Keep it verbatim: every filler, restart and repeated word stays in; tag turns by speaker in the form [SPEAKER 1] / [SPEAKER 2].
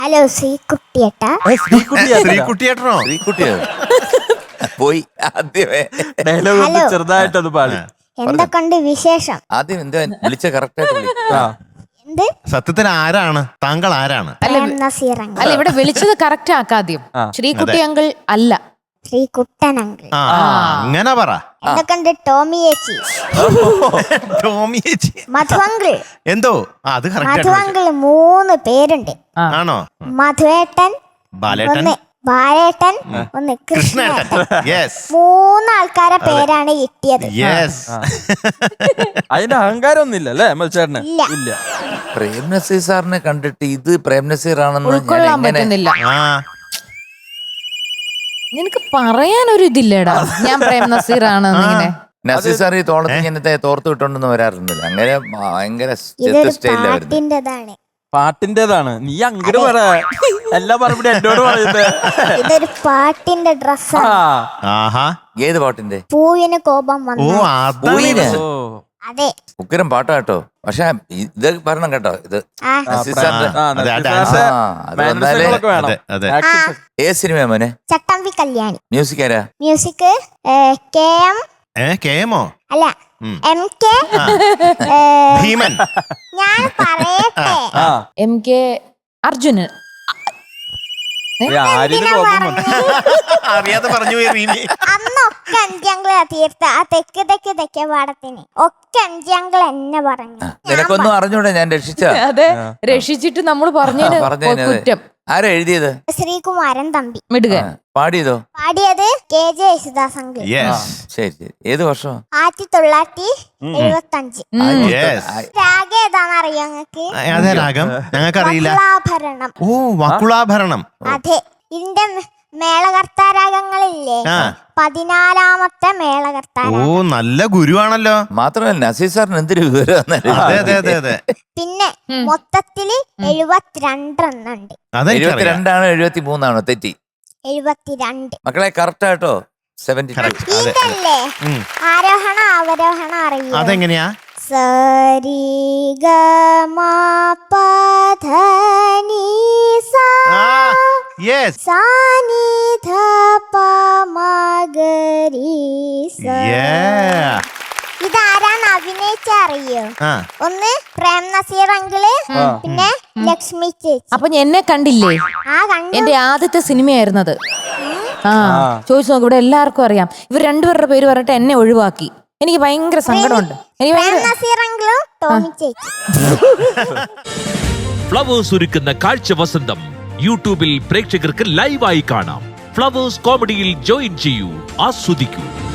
[SPEAKER 1] Hello ശ്രീകുട്ടിയേട്ടാ.
[SPEAKER 2] ശ്രീകുട്ടിയേട്ടനോ?
[SPEAKER 3] ശ്രീകുട്ടിയോ പോയി ആദ്യമേ
[SPEAKER 4] dialogue ചെറുതായിട്ടത് പാടി.
[SPEAKER 1] എന്തൊക്കെയുണ്ട് വിശേഷം?
[SPEAKER 3] ആദ്യം എന്താ വിളിച്ച കറക്റ്റ് ആയിട്ട് വിളിക്കും.
[SPEAKER 1] എന്ത്
[SPEAKER 2] സത്യത്തിന് ആരാണ് താങ്കൾ? ആരാണ്?
[SPEAKER 1] പ്രേം നസീർ അങ്കിൾ.
[SPEAKER 5] അല്ല ഇവിടെ വിളിച്ചത് കറക്റ്റ് ആക്കാദ്യം. ശ്രീകുട്ടി അങ്കിൾ അല്ല,
[SPEAKER 1] ശ്രീകുട്ടൻ അങ്കിൾ.
[SPEAKER 2] ആ അങ്ങനെ പറ.
[SPEAKER 1] എന്തൊക്കെയുണ്ട് ടോമി ചേച്ചി?
[SPEAKER 2] ടോമി ചേച്ചി.
[SPEAKER 1] മധു അങ്കിൾ.
[SPEAKER 2] എന്തോ ആ, അത്
[SPEAKER 1] മധു
[SPEAKER 2] കറക്റ്റ്
[SPEAKER 1] അങ്കിൾ മൂന്ന് പേരുണ്ട്.
[SPEAKER 2] ആണോ?
[SPEAKER 1] മധുവേട്ടൻ,
[SPEAKER 2] ബാലേട്ടൻ,
[SPEAKER 1] ഒന്ന് ബാലേട്ടൻ, ഒന്ന്
[SPEAKER 2] കൃഷ്ണേട്ടൻ.
[SPEAKER 1] കൃഷ്ണേട്ടൻ.
[SPEAKER 2] യെസ്
[SPEAKER 1] മൂന്നാൾക്കാരെ പേരാണ് കിട്ടിയത്.
[SPEAKER 2] യെസ്.
[SPEAKER 4] അതിന്റെ അഹങ്കാരം ഒന്നും ഇല്ല അല്ലേ ചേട്ടന്?
[SPEAKER 1] ഇല്ല.
[SPEAKER 4] ഇല്ല.
[SPEAKER 3] പ്രേം നസീർ സാറിനെ കണ്ടിട്ട് ഇത് പ്രേം നസീർ ആണെന്ന് ഞാൻ
[SPEAKER 5] ഉൾക്കൊള്ളാൻ
[SPEAKER 3] എങ്ങനെ
[SPEAKER 5] പറ്റുന്നില്ല.
[SPEAKER 2] ആ
[SPEAKER 5] നിനക്ക് പറയാനൊരു ഇതില്ലേടാ ഞാൻ പ്രേം നസീർ ആണ് ഇങ്ങനെ.
[SPEAKER 3] നസീർ സാർ ഈ തോളത്ത് ഇങ്ങനത്തെ തോർത്ത് വിട്ടോണ്ടൊന്നും വരാറുന്നില്ല. അങ്ങനെ ഭയങ്കര
[SPEAKER 1] ഇതൊരു
[SPEAKER 3] സ്റ്റൈലായിരുന്നു.
[SPEAKER 1] പാട്ടിന്റെതാണ്.
[SPEAKER 4] പാട്ടിന്റേതാണ്. നീ അങ്ങോട്ട് പറ, എല്ലാ മറുപടി എന്നോട് പറയുന്നത്.
[SPEAKER 1] ഇതൊരു പാട്ടിന്റെ ഡ്രസ്സാണ്.
[SPEAKER 2] ആഹാ.
[SPEAKER 3] ഏത് പാട്ടിന്റെ?
[SPEAKER 1] പൂവിന് കോപം
[SPEAKER 2] ഓ
[SPEAKER 1] വന്നു.
[SPEAKER 2] അതാണ്
[SPEAKER 3] പൂവിന്?
[SPEAKER 2] ഇത്.
[SPEAKER 4] ഓ
[SPEAKER 1] അതെ.
[SPEAKER 3] ഉഗ്രം പാട്ടാ കേട്ടോ. പക്ഷെ ഇത് പറയണം കേട്ടോ, ഇത്
[SPEAKER 1] ആ
[SPEAKER 3] നസീർ
[SPEAKER 2] ആ,
[SPEAKER 3] സാറിന്റെ
[SPEAKER 4] ആ,
[SPEAKER 2] അതെ, ആ
[SPEAKER 4] നസീർ
[SPEAKER 2] ഡാൻസ്.
[SPEAKER 4] സാറിന്റെ
[SPEAKER 3] ആ, അത് വന്നാലേ
[SPEAKER 4] മാനറിസങ്ങളൊക്കെ വേണം.
[SPEAKER 2] അതെ, അതെ.
[SPEAKER 4] Action
[SPEAKER 1] ആ.
[SPEAKER 4] set.
[SPEAKER 3] ഏത് സിനിമ മോനെ?
[SPEAKER 1] ചട്ടമ്പി കല്യാണി.
[SPEAKER 3] മ്യൂസിക് ആരാ?
[SPEAKER 1] Music K M
[SPEAKER 2] A K എമ്മോ?
[SPEAKER 1] അല്ല
[SPEAKER 2] ഉം.
[SPEAKER 1] M K.
[SPEAKER 2] ആ.
[SPEAKER 1] ഏ,
[SPEAKER 2] ഭീമൻ.
[SPEAKER 1] ഞാൻ പറയട്ടെ.
[SPEAKER 4] ആ
[SPEAKER 5] എം കെ അർജുനൻ.
[SPEAKER 4] ഏ, ആര്യന്
[SPEAKER 1] എന്തിനാ
[SPEAKER 4] കോപം വന്നു.
[SPEAKER 1] പറഞ്ഞത്?
[SPEAKER 2] അറിയാതെ പറഞ്ഞു പോയി റീമി.
[SPEAKER 1] അന്നൊക്കെ അഞ്ചങ്കിളാ തീർത്ത ആ തെക്ക് തെക്ക് തെക്കേ പാടത്തിന് ഒക്കെ അഞ്ചങ്കിൾ എന്നെ പറഞ്ഞു.
[SPEAKER 3] നിനക്കൊന്നും അറിഞ്ഞൂടെ ഞാൻ രക്ഷിച്ച?
[SPEAKER 5] അതെ, രക്ഷിച്ചിട്ട് നമ്മൾ പറഞ്ഞതിന്
[SPEAKER 3] പറഞ്ഞതിന് അതെ.
[SPEAKER 5] കുറ്റം.
[SPEAKER 3] ആരാ എഴുതിയത്?
[SPEAKER 1] ശ്രീകുമാരൻ തമ്പി.
[SPEAKER 5] മിടുക.
[SPEAKER 3] ആ, പാടിയതോ?
[SPEAKER 1] പാടിയത് കെ ജെ യേശുദാസ് അങ്കിൾ.
[SPEAKER 3] ആ,
[SPEAKER 2] യെസ്.
[SPEAKER 3] ശരി ശരി. ഏത് വർഷം?
[SPEAKER 1] ആയിരത്തി തൊള്ളായിരത്തി എഴുപത്തി അഞ്ച്.
[SPEAKER 2] യെസ്.
[SPEAKER 1] രാഗ ഏതാന്ന് അറിയോ നിങ്ങക്ക്?
[SPEAKER 2] അതേ രാഗം ഞങ്ങൾക്കറിയില്ല.
[SPEAKER 1] വക്കുളാഭരണം.
[SPEAKER 2] ഓ വക്കുളാഭരണം.
[SPEAKER 1] അതെ. ഇതിന്റെ മേളകർത്താരാഗങ്ങളില്ലേ?
[SPEAKER 2] ആ.
[SPEAKER 1] പതിനാലാമത്തെ മേളകർത്താര.
[SPEAKER 2] ഓ നല്ല ഗുരുവാണല്ലോ.
[SPEAKER 3] മാത്രമല്ല നസീർ സാറിന് എന്തൊരു വിവരം.
[SPEAKER 2] അതെ അതെ അതെ അതെ.
[SPEAKER 1] പിന്നെ മൊത്തത്തില് എഴുപത്തിരണ്ടെണ്ണുണ്ട്.
[SPEAKER 2] അതെനിക്കറിയാം.
[SPEAKER 3] എഴുപത്തിരണ്ടാണോ എഴുപത്തി മൂന്നാണോ? തെറ്റി.
[SPEAKER 1] എഴുപത്തിരണ്ട്.
[SPEAKER 3] മക്കളെ കറക്റ്റ് ആട്ടോ. Seventy two.
[SPEAKER 2] Correct. അതെ.
[SPEAKER 1] ഇതല്ലേ
[SPEAKER 2] ഉം.
[SPEAKER 1] ആരോഹണ അവരോഹണ അറിയോ?
[SPEAKER 2] അതെങ്ങനെയാ?
[SPEAKER 1] സരി ഗ മ പ ധ നി സ
[SPEAKER 2] ആ യെസ്.
[SPEAKER 1] സ നി ധ പ മ ഗ രി സ.
[SPEAKER 2] Yeah.
[SPEAKER 1] ഇതാരാണ് അഭിനയിച്ച അറിയോ?
[SPEAKER 2] ആ
[SPEAKER 1] ഒന്ന് പ്രേം നസീർ അങ്കിള്,
[SPEAKER 4] ആ.
[SPEAKER 1] പിന്നെ ലക്ഷ്മി ചേച്ചി.
[SPEAKER 5] അപ്പൊ എന്നെ കണ്ടില്ലേ?
[SPEAKER 1] ആ കണ്ടു.
[SPEAKER 5] എന്റെ ആദ്യത്തെ സിനിമയായിരുന്നത്. ആ ചോദിച്ചു നോക്ക്, ഇവിടെ എല്ലാവർക്കും അറിയാം. ഇവർ രണ്ടുപേരുടെ പേര് പറഞ്ഞിട്ട് എന്നെ ഒഴിവാക്കി. എനിക്ക് ഭയങ്കര സങ്കടമുണ്ട്. എനിക്ക്
[SPEAKER 1] പ്രേം
[SPEAKER 5] ഭയങ്കര
[SPEAKER 1] നസീർ അങ്കിളും ടോമി ചേച്ചി.
[SPEAKER 6] ഫ്ലവേഴ്സ് ഒരുക്കുന്ന കാഴ്ച വസന്തം യൂട്യൂബിൽ പ്രേക്ഷകർക്ക് ലൈവായി കാണാം. ഫ്ലവേഴ്സ് കോമഡിയിൽ ജോയിൻ ചെയ്യൂ, ആസ്വദിക്കൂ.